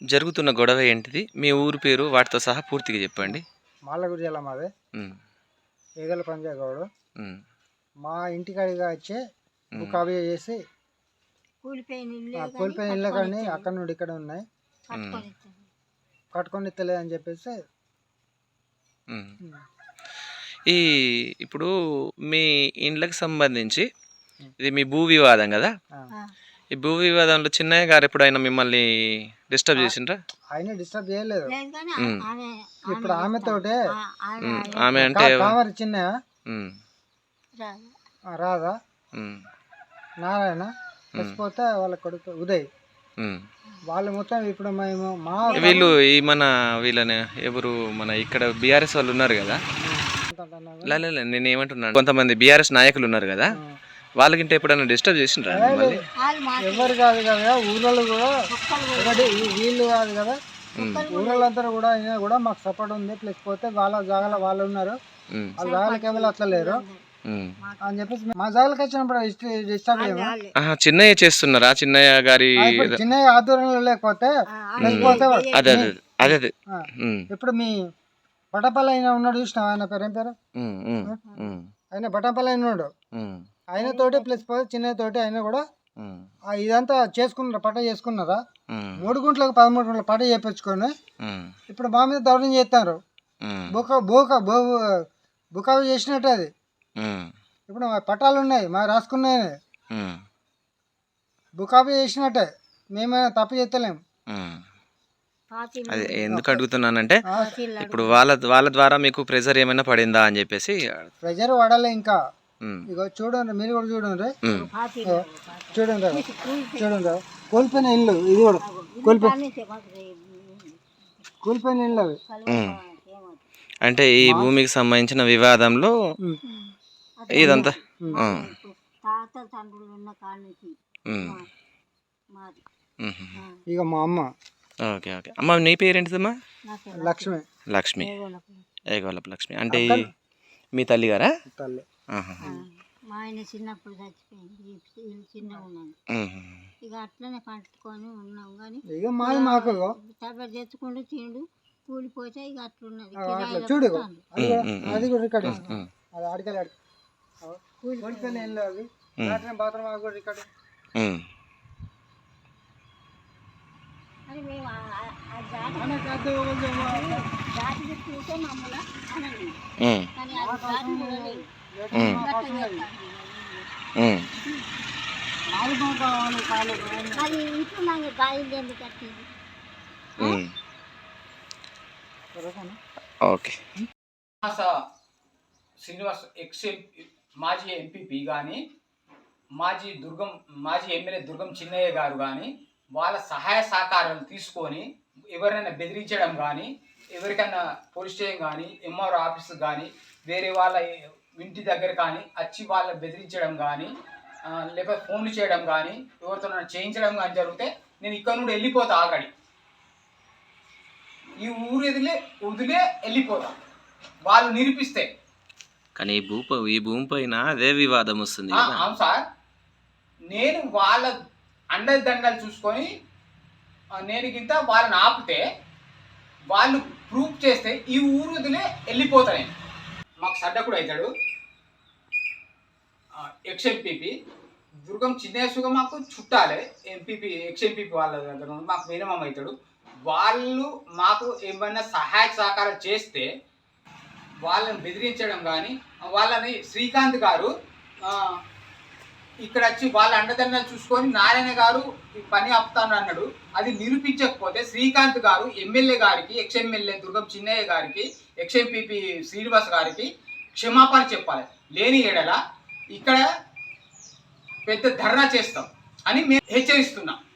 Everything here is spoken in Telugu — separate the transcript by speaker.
Speaker 1: జరుగుతున్న గొడవ ఏంటిది? మీ ఊరు పేరు వాటితో సహా పూర్తిగా చెప్పండి.
Speaker 2: మాలగుడి జిల్లా మాది. ఏగల పంజాగౌడు. మా ఇంటికాడిగా వచ్చి బుకాబీ చేసి కూలిపోయిన ఇళ్ళ కానీ అక్కడ నుండి ఇక్కడ ఉన్నాయి కట్టుకొని ఇస్తలేదు అని చెప్పేసి.
Speaker 1: ఇప్పుడు మీ ఇండ్లకు సంబంధించి ఇది మీ భూ వివాదం కదా? ఈ భూ వివాదంలో చిన్నయ్య గారు ఎప్పుడైనా మిమ్మల్ని డిస్టర్బ్ చేసిండ్రా?
Speaker 2: ఆయన డిస్టర్బ్ చేయలేదు. ఇప్పుడు ఆమెతోటే
Speaker 1: ఆమె అంటే
Speaker 2: చిన్నయ్య రాధా నారాయణ చచ్చిపోతే వాళ్ళ కొడుకు ఉదయ్ వాళ్ళు మొత్తం ఇప్పుడు మేము మా
Speaker 1: వీళ్ళు ఈ వీళ్ళని ఎవరు మన ఇక్కడ బీఆర్ఎస్ వాళ్ళు ఉన్నారు కదా, నేను ఏమంటున్నాను, కొంతమంది బీఆర్ఎస్ నాయకులు ఉన్నారు కదా, వాళ్ళకింటే ఎప్పుడైనా డిస్టర్బ్ చేసిండ్రా?
Speaker 2: ఎవరు కాదు కదా ఊళ్ళో కూడా వీళ్ళు కాదు కదా ఊళ్ళందరూ కూడా అయినా కూడా మాకు సపోర్ట్ ఉంది. ప్లస్ పోతే వాళ్ళ జాగాలో వాళ్ళు ఉన్నారు, వాళ్ళ జాగాలకి ఎవరు అట్లా లేరు అని చెప్పేసి మా జాగాలకి వచ్చినప్పుడు డిస్టర్బ్ చేయము.
Speaker 1: చిన్నయ్య చేస్తున్నారా? చిన్నయ్య గారి
Speaker 2: చిన్నయ్య ఆధ్వర్యంలో లేకపోతే
Speaker 1: అదే అదే
Speaker 2: ఇప్పుడు మీ బటపల్లి అయినా ఉన్నాడు చూసినావు, ఆయన పేరు ఏం పేరు, ఆయన బటపల్లి అయిన ఉన్నాడు, ఆయన తోటి ప్లస్ పోతే చిన్నయ్య తోటి ఆయన కూడా ఇదంతా చేసుకున్నారా, పట్ట చేసుకున్నారా, 3 గుంట్లకు 13 గుంట్ల పట్ట చేపించుకొని ఇప్పుడు మా మీద దౌర్జన్యం చేస్తారు. బుకావి చేసినట్టు అది. ఇప్పుడు మా పట్టాలు ఉన్నాయి, మా రాసుకున్నాయి, బుకావి చేసినట్టే, మేమైనా తప్పు చేస్తలేము.
Speaker 1: అది ఎందుకు అడుగుతున్నానంటే ఇప్పుడు వాళ్ళ ద్వారా మీకు ప్రెజర్ ఏమైనా పడిందా అని చెప్పేసి.
Speaker 2: ప్రెజర్ పడాలి ఇంకా. ఇగో చూడండి, మీరు కూడా చూడండి, చూడండి కోల్పోయిన ఇల్లు, ఇది కూడా కోల్పోయిన ఇల్లు అవి.
Speaker 1: అంటే ఈ భూమికి సంబంధించిన వివాదంలో ఇదంతా
Speaker 2: ఇక మా అమ్మ.
Speaker 1: Okay okay. అమ్మ నీ పేరేంటిదమ్మా?
Speaker 2: లక్ష్మి.
Speaker 1: లక్ష్మి, ఏగోలపు లక్ష్మి. అంటే మీ తల్లి గారా?
Speaker 2: తల్లి.
Speaker 3: మా ఆయన చిన్నప్పుడు చచ్చిపోయింది, చిన్నగా ఉన్నాను, ఇక అట్లనే పట్టుకొని ఉన్నాం. కానీ
Speaker 2: ఇక మాది మాకు
Speaker 3: తప్ప తెచ్చుకుంటూ తిండు కూలిపోతే ఇక అట్లున్నది.
Speaker 2: చూడు అది కూడా రికార్డ్, అది అడగలే కూలిపోయిన ఇల్లు అవి, బాత్రూమ్ అది కూడా రికార్డు.
Speaker 3: అని మేము జాతి చూసే మమ్మల్ని అనండి, కానీ అది ఇప్పుడు నాకు గాయం ఎందుకు కట్టింది.
Speaker 1: ఓకే.
Speaker 4: శ్రీనివాస్ మాజీ ఎంపీపీ కానీ మాజీ ఎమ్మెల్యే దుర్గం చిన్నయ్య గారు కానీ వాళ్ళ సహాయ సహకారాలు తీసుకొని ఎవరైనా బెదిరించడం కానీ, ఎవరికైనా పోలీస్ స్టేషన్ కానీ ఎంఆర్ఓ ఆఫీస్ కానీ వేరే వాళ్ళ ఇంటి దగ్గర కానీ వచ్చి వాళ్ళని బెదిరించడం కానీ లేకపోతే ఫోన్లు చేయడం కానీ ఎవరితో చేయించడం కానీ జరిగితే నేను ఇక్కడ నుండి వెళ్ళిపోతా. ఆల్రెడీ ఈ ఊరు వదిలే వెళ్ళిపోతా వాళ్ళు నిరూపిస్తే.
Speaker 1: కానీ ఈ భూమి పైన అదే వివాదం వస్తుంది.
Speaker 4: అవును సార్, నేను వాళ్ళ అండదండలు చూసుకొని నేను గింత వాళ్ళని ఆపితే వాళ్ళు ప్రూఫ్ చేస్తే ఈ ఊరు వదిలే వెళ్ళిపోతా నేను. మాకు సడ్డకుడు అవుతాడు ఎక్స్ఎంపీపీ దుర్గం చిన్నేసుగా మాకు చుట్టాలే, ఎంపీపీ ఎక్స్ఎంపీపీ వాళ్ళ దగ్గర మాకు మినిమం అవుతాడు. వాళ్ళు మాకు ఏమైనా సహాయ సహకారం చేస్తే వాళ్ళని బెదిరించడం కానీ, వాళ్ళని శ్రీకాంత్ గారు ఇక్కడ వచ్చి వాళ్ళ అండదండలు చూసుకొని నారాయణ గారు ఈ పని ఆపుతాను అన్నాడు. అది నిరూపించకపోతే శ్రీకాంత్ గారు ఎమ్మెల్యే గారికి, ఎక్స్ఎమ్మెల్యే దుర్గం చిన్నయ్య గారికి, ఎక్స్ఎంపీపీ శ్రీనివాస్ గారికి క్షమాపణ చెప్పాలి. లేని ఎడల ఇక్కడ పెద్ద ధర్నా చేస్తాం అని మేము హెచ్చరిస్తున్నాం.